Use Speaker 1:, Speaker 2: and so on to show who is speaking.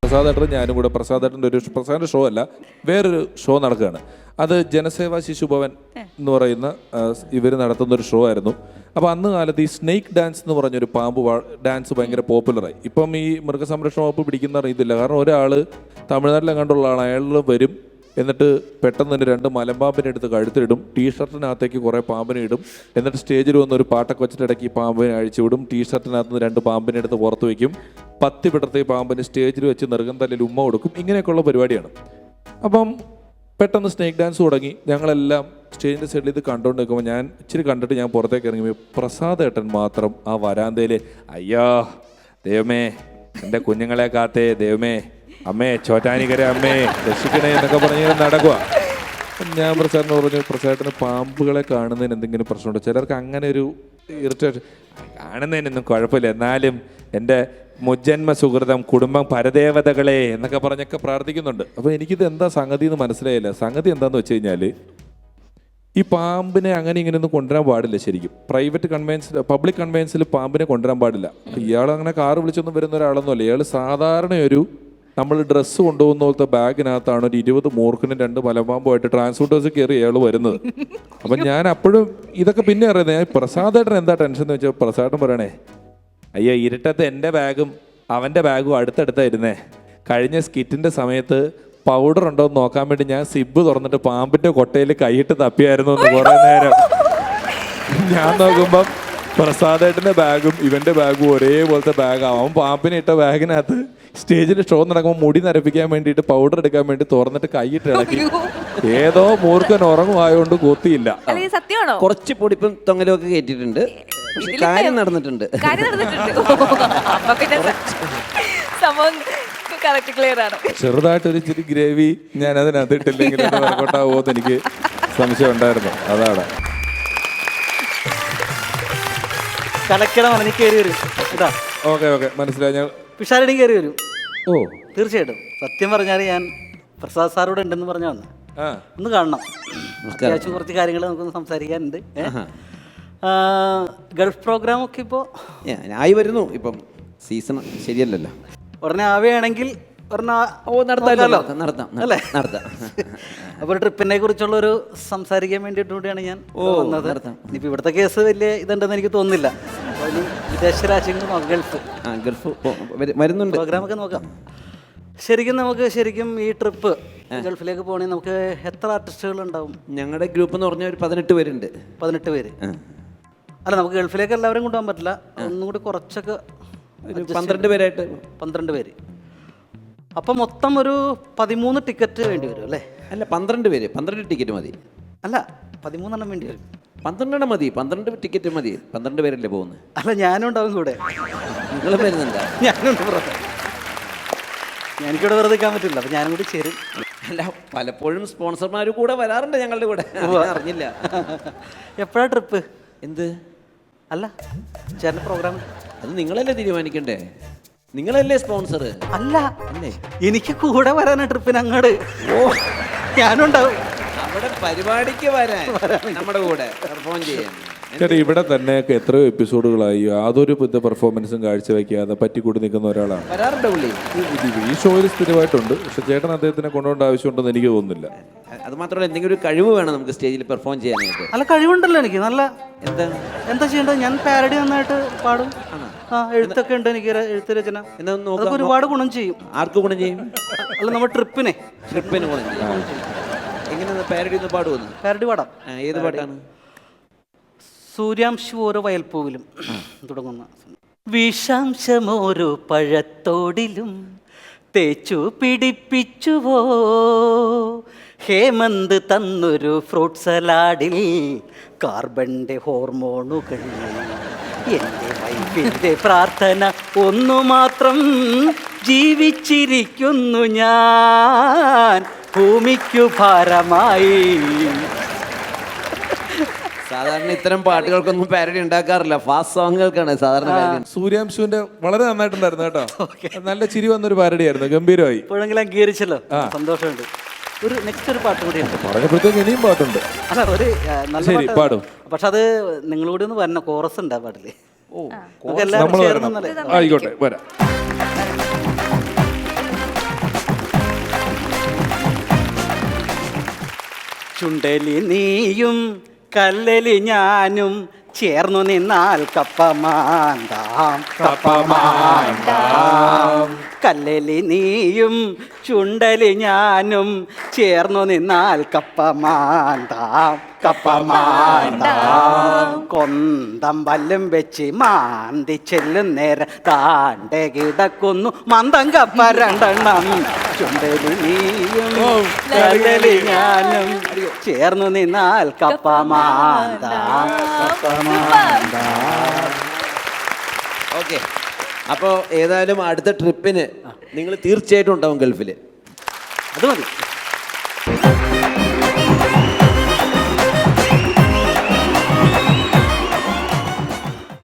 Speaker 1: പ്രസാദേട്ടനും ഞാനും കൂടെ പ്രസാദിൻ്റെ ഷോ അല്ല, വേറൊരു ഷോ നടക്കുകയാണ്. അത് ജനസേവാ ശിശുഭവൻ എന്ന് പറയുന്ന ഇവർ നടത്തുന്നൊരു ഷോ ആയിരുന്നു. അപ്പോൾ അന്ന് കാലത്ത് ഈ സ്നേക്ക് ഡാൻസ് എന്ന് പറഞ്ഞൊരു പാമ്പ് ഡാൻസ് ഭയങ്കര പോപ്പുലറായി. ഇപ്പം ഈ മൃഗസംരക്ഷണ വകുപ്പ് പിടിക്കുന്ന അറിയത്തില്ല. കാരണം ഒരാൾ തമിഴ്നാട്ടിലെങ്ങാണ്ടുള്ള ആൾ, അയാൾ വരും, എന്നിട്ട് പെട്ടെന്ന് തന്നെ 2 മലമ്പാമ്പിനെ എടുത്ത് കഴുത്തിലിടും, ടീഷർട്ടിനകത്തേക്ക് കുറേ പാമ്പിനെ ഇടും, എന്നിട്ട് സ്റ്റേജിൽ വന്ന് ഒരു പാട്ടൊക്കെ വെച്ചിട്ട് ഇടയ്ക്ക് ഈ പാമ്പിനെ അഴിച്ചുവിടും, ടീഷർട്ടിനകത്ത് നിന്ന് 2 പാമ്പിനെ എടുത്ത് പുറത്ത് വയ്ക്കും, 10 പിടർത്തി പാമ്പിന് സ്റ്റേജിൽ വെച്ച് നെറുകം തല്ലിൽ ഉമ്മ കൊടുക്കും. ഇങ്ങനെയൊക്കെയുള്ള പരിപാടിയാണ്. അപ്പം പെട്ടെന്ന് സ്നേക്ക് ഡാൻസ് തുടങ്ങി. ഞങ്ങളെല്ലാം സ്റ്റേജിൻ്റെ സൈഡിൽ ഇത് കണ്ടുകൊണ്ട് നിൽക്കുമ്പോൾ ഞാൻ ഇച്ചിരി കണ്ടിട്ട് ഞാൻ പുറത്തേക്ക് ഇറങ്ങി. പ്രസാദേട്ടൻ മാത്രം ആ വരാന്തയിൽ അയ്യോ ദൈവമേ, എൻ്റെ കുഞ്ഞുങ്ങളെ കാത്തേ ദൈവമേ, അമ്മേ ചോറ്റാനിക്കര അമ്മേ രക്ഷിക്കണേ എന്നൊക്കെ പറഞ്ഞ് നടക്കുക. ഞാൻ പ്രസാദിന് പറഞ്ഞു, പ്രസാദേട്ടന് പാമ്പുകളെ കാണുന്നതിന് എന്തെങ്കിലും പ്രശ്നമുണ്ടോ? ചിലർക്ക് അങ്ങനെ ഒരു ഇറിറ്റേഷൻ. കാണുന്നതിനൊന്നും കുഴപ്പമില്ല, എന്നാലും എൻ്റെ മുജ്ജന്മ സുഹൃതം കുടുംബം പരദേവതകളെ എന്നൊക്കെ പറഞ്ഞൊക്കെ പ്രാർത്ഥിക്കുന്നുണ്ട്. അപ്പോൾ എനിക്കിത് എന്താ സംഗതി എന്ന് മനസ്സിലായില്ല. സംഗതി എന്താന്ന് വെച്ച് കഴിഞ്ഞാൽ ഈ പാമ്പിനെ അങ്ങനെ ഇങ്ങനെയൊന്നും കൊണ്ടുവരാൻ പാടില്ല. ശരിക്കും പബ്ലിക് കൺവെൻസിൽ പാമ്പിനെ കൊണ്ടുവരാൻ പാടില്ല. ഇയാൾ അങ്ങനെ കാറ് വിളിച്ചൊന്നും വരുന്ന ഒരാളൊന്നും അല്ല. ഇയാൾ സാധാരണ ഒരു നമ്മൾ ഡ്രസ്സ് കൊണ്ടുപോകുന്ന പോലത്തെ ബാഗിനകത്താണ് ഒരു 20 മൂർഖനും 2 മലമ്പാമ്പുമായിട്ട് ട്രാൻസ്പോർട്ടേഴ്സ് കയറി അയാൾ വരുന്നത്. അപ്പം ഞാൻ അപ്പോഴും ഇതൊക്കെ പിന്നെ അറിയുന്നത്, ഞാൻ പ്രസാദേട്ടൻ എന്താ ടെൻഷൻ എന്ന് വെച്ചാൽ പ്രസാദേട്ടൻ പറയണേ, അയ്യോ ഇരുട്ടത്ത് എൻ്റെ ബാഗും അവൻ്റെ ബാഗും അടുത്തടുത്തായിരുന്നേ. കഴിഞ്ഞ സ്കിറ്റിൻ്റെ സമയത്ത് പൗഡർ ഉണ്ടോ എന്ന് നോക്കാൻ വേണ്ടി ഞാൻ സിബ് തുറന്നിട്ട് പാമ്പിൻ്റെ കൊട്ടയിൽ കൈയിട്ട് തപ്പിയായിരുന്നു എന്ന് കുറേ നേരം. ഞാൻ നോക്കുമ്പം പ്രസാദേട്ടൻ്റെ ബാഗും ഇവൻ്റെ ബാഗും ഒരേപോലത്തെ ബാഗാവും. അവൻ പാമ്പിനെ ഇട്ട ബാഗിനകത്ത് സ്റ്റേജിൽ ഷോ നടക്കുമ്പോൾ മുടി നരപ്പിക്കാൻ വേണ്ടിയിട്ട് പൗഡർ എടുക്കാൻ വേണ്ടി തുറന്നിട്ട് കൈയിട്ട് ഇളക്കി. ഏതോ മൂർഖൻ ഉറങ്ങുമായോണ്ട് കൊത്തിയില്ല.
Speaker 2: കുറച്ച് പൊടിപ്പും തൊങ്ങലും ഒക്കെ കേട്ടിട്ടുണ്ട്, കാര്യം നടന്നിട്ടുണ്ട്.
Speaker 1: ചെറുതായിട്ടൊരു ഇച്ചിരി ഗ്രേവി ഞാൻ അതിനകത്ത് ഇട്ടില്ലെങ്കിൽ വർക്കൗട്ടാവോ എന്ന് എനിക്ക് സംശയം ഉണ്ടായിരുന്നു. അതാണ് ഓക്കെ മനസ്സിലായി. ഞാൻ
Speaker 3: പിഷാരടി കയറി വരും.
Speaker 1: ഓ
Speaker 3: തീർച്ചയായിട്ടും. സത്യം പറഞ്ഞാൽ ഞാൻ പ്രസാദ് സാറോട് ഉണ്ടെന്ന് പറഞ്ഞാ വന്ന് ഒന്ന് കാണണം. അത്യാവശ്യം കുറച്ച് കാര്യങ്ങൾ നമുക്കൊന്ന് സംസാരിക്കാനുണ്ട്. ഗൾഫ് പ്രോഗ്രാം ഒക്കെ ഇപ്പോൾ
Speaker 2: ആയി വരുന്നു. ഇപ്പം സീസൺ ശരിയല്ലല്ലോ.
Speaker 3: ഉടനെ ആവുകയാണെങ്കിൽ
Speaker 2: നടത്താം.
Speaker 3: അപ്പോൾ ട്രിപ്പിനെ കുറിച്ചുള്ളൊരു സംസാരിക്കാൻ വേണ്ടിയിട്ട് കൂടിയാണ് ഞാൻ വന്നത്. ഇനിയിപ്പോൾ ഇവിടുത്തെ കേസ് വലിയ ഇതുണ്ടെന്ന് എനിക്ക് തോന്നുന്നില്ല. വിദേശ രാജ്യങ്ങൾ
Speaker 2: ഗൾഫ് വരുന്നുണ്ട്,
Speaker 3: പ്രോഗ്രാമൊക്കെ നോക്കാം. ശരിക്കും ഈ ട്രിപ്പ് ഗൾഫിലേക്ക് പോകണമെങ്കിൽ നമുക്ക് എത്ര ആർട്ടിസ്റ്റുകൾ ഉണ്ടാവും?
Speaker 2: ഞങ്ങളുടെ ഗ്രൂപ്പ് എന്ന് പറഞ്ഞാൽ ഒരു 18 പേരുണ്ട്.
Speaker 3: 18 പേര്. അല്ല, നമുക്ക് ഗൾഫിലേക്ക് എല്ലാവരും കൊണ്ടുപോകാൻ പറ്റില്ല. ഒന്നും കൂടി കുറച്ചൊക്കെ
Speaker 2: 12 പേരായിട്ട്
Speaker 3: 12 പേര്. അപ്പം മൊത്തം ഒരു 13 ടിക്കറ്റ് വേണ്ടി വരും അല്ലേ?
Speaker 2: അല്ല, 12 പേര്. 12 ടിക്കറ്റ് മതി.
Speaker 3: അല്ല, 13 വേണ്ടി വരും.
Speaker 2: 12 മതി. 12 ടിക്കറ്റ് മതി. 12 പേരല്ലേ പോകുന്നത്?
Speaker 3: അല്ല, ഞാനും ഉണ്ടാവും കൂടെ.
Speaker 2: നിങ്ങൾ വരുന്നുണ്ടോ?
Speaker 3: ഞാനുണ്ട്. എനിക്കിവിടെ വെറുതെ നിൽക്കാൻ പറ്റില്ല. അപ്പം ഞാനും കൂടി ചേരും.
Speaker 2: അല്ല, പലപ്പോഴും സ്പോൺസർമാർ കൂടെ വരാറുണ്ട് ഞങ്ങളുടെ കൂടെ. അറിഞ്ഞില്ല.
Speaker 3: എപ്പോഴാണ് ട്രിപ്പ്?
Speaker 2: എന്ത്?
Speaker 3: അല്ല, ചേട്ടൻ്റെ പ്രോഗ്രാം
Speaker 2: അത് നിങ്ങളല്ലേ തീരുമാനിക്കണ്ടേ? നിങ്ങളല്ലേ സ്പോൺസർ?
Speaker 3: അല്ല, അല്ലേ, എനിക്ക് കൂടെ വരാനാ ട്രിപ്പിന് അങ്ങോട്ട്. ഞാനുണ്ടാവും
Speaker 2: അവിടെ പരിപാടിക്ക് വരാൻ, നമ്മുടെ കൂടെ പെർഫോം ചെയ്യാൻ.
Speaker 1: ചേട്ടാ, ഇവിടെ തന്നെ എത്രയോ എപ്പിസോഡുകളായി യാതൊരു പെർഫോമൻസും കാഴ്ചവെക്കാതെ പറ്റിക്കൂടി നിൽക്കുന്ന ഒരാളാണ്.
Speaker 2: വരാറുണ്ട് പുള്ളി.
Speaker 1: ഈ ഷോയിൽ സ്ഥിരമായിട്ടുണ്ട്. പക്ഷെ ചേട്ടൻ അദ്ദേഹത്തിനെ കൊണ്ടുപോകേണ്ട ആവശ്യമുണ്ടെന്ന് എനിക്ക് തോന്നുന്നില്ല.
Speaker 2: അത് മാത്രമല്ല, എന്തെങ്കിലും ഒരു കഴിവ് വേണം നമുക്ക് സ്റ്റേജിൽ പെർഫോം ചെയ്യാനായിട്ട്.
Speaker 3: അല്ല, കഴിവുണ്ടല്ലോ എനിക്ക്. നല്ല എന്താ ചെയ്യേണ്ടത്? ഞാൻ പാരഡി നന്നായിട്ട് പാടും. എഴുത്തൊക്കെ ഉണ്ട് എനിക്ക്, എഴുത്ത് രചന. അതൊക്കെ ഒരുപാട് ഗുണം ചെയ്യും.
Speaker 2: ആർക്ക് ഗുണം ചെയ്യും?
Speaker 3: അല്ല, നമ്മുടെ ട്രിപ്പിന്
Speaker 2: ഗുണം ചെയ്യും. എങ്ങനെ പാരഡി ഒന്ന് പാടുമെന്ന്?
Speaker 3: പാരഡി പാടാം.
Speaker 2: ഏത് പാട്ടാണ്?
Speaker 3: സൂര്യാംശം ഓരോ വയൽപ്പൂവിലും തുടങ്ങുന്ന. വിഷാംശമോരോ പഴത്തോടിലും തേച്ചു പിടിപ്പിച്ചുവോ, ഹേമന്ത് തന്നൊരു ഫ്രൂട്ട് സലാഡിൽ കാർബണിൻ്റെ ഹോർമോണുകൾ. എൻ്റെ വൈഫിൻ്റെ പ്രാർത്ഥന ഒന്നു മാത്രം, ജീവിച്ചിരിക്കുന്നു ഞാൻ ഭൂമിക്കു ഭാരമായി.
Speaker 2: സാധാരണ ഇത്തരം പാട്ടുകൾക്കൊന്നും പാരഡി ഉണ്ടാക്കാറില്ല. ഫാസ്റ്റ് സോങ്ങുകൾക്കാണ് സാധാരണ.
Speaker 1: സൂര്യാംശുവിന്റെ വളരെ നന്നായിട്ടുണ്ടായിരുന്നു കേട്ടോ. നല്ല ചിരി വന്നൊരു പാരഡി ആയിരുന്നു, ഗംഭീരമായി.
Speaker 3: ഇപ്പോഴെങ്കിലും അംഗീകരിച്ചല്ലോ, സന്തോഷമുണ്ട്. ഒരു നെക്സ്റ്റ് ഒരു പാട്ട് കൂടിയുണ്ട്.
Speaker 1: പറഞ്ഞപ്പോഴത്തേക്ക് ഇനിയും പാട്ടുണ്ട്.
Speaker 3: അല്ല, ഒരു
Speaker 1: നല്ല പാടും.
Speaker 3: പക്ഷെ അത് നിങ്ങളൂടെ ഒന്ന് വരണം. കോറസ് ഉണ്ട് ആ പാട്ടില്.
Speaker 1: ആയിക്കോട്ടെ, വരാം.
Speaker 3: ചുണ്ടലി നീയും കല്ലലി ഞാനും ചേർന്നു നിന്നാൽ കപ്പമാന്താം കല്ലലി നീയും ചുണ്ടലി ഞാനും ചേർന്നു നിന്നാൽ കപ്പമാന്താം കൊന്തം വല്ലും വെച്ച് മാന്തി ചെല്ലും നേരം താണ്ടെ കിടക്കുന്നു മന്ദം കപ്പ രണ്ടെണ്ണം ചുണ്ടലി നീയും കല്ലലി ഞാനും ചേർന്നു നിന്നാൽ കപ്പമാന്താം
Speaker 2: ഓക്കെ. അപ്പോൾ ഏതായാലും അടുത്ത ട്രിപ്പിന് നിങ്ങൾ തീർച്ചയായിട്ടും ഉണ്ടാവും ഗൾഫിൽ.
Speaker 3: അത് മതി.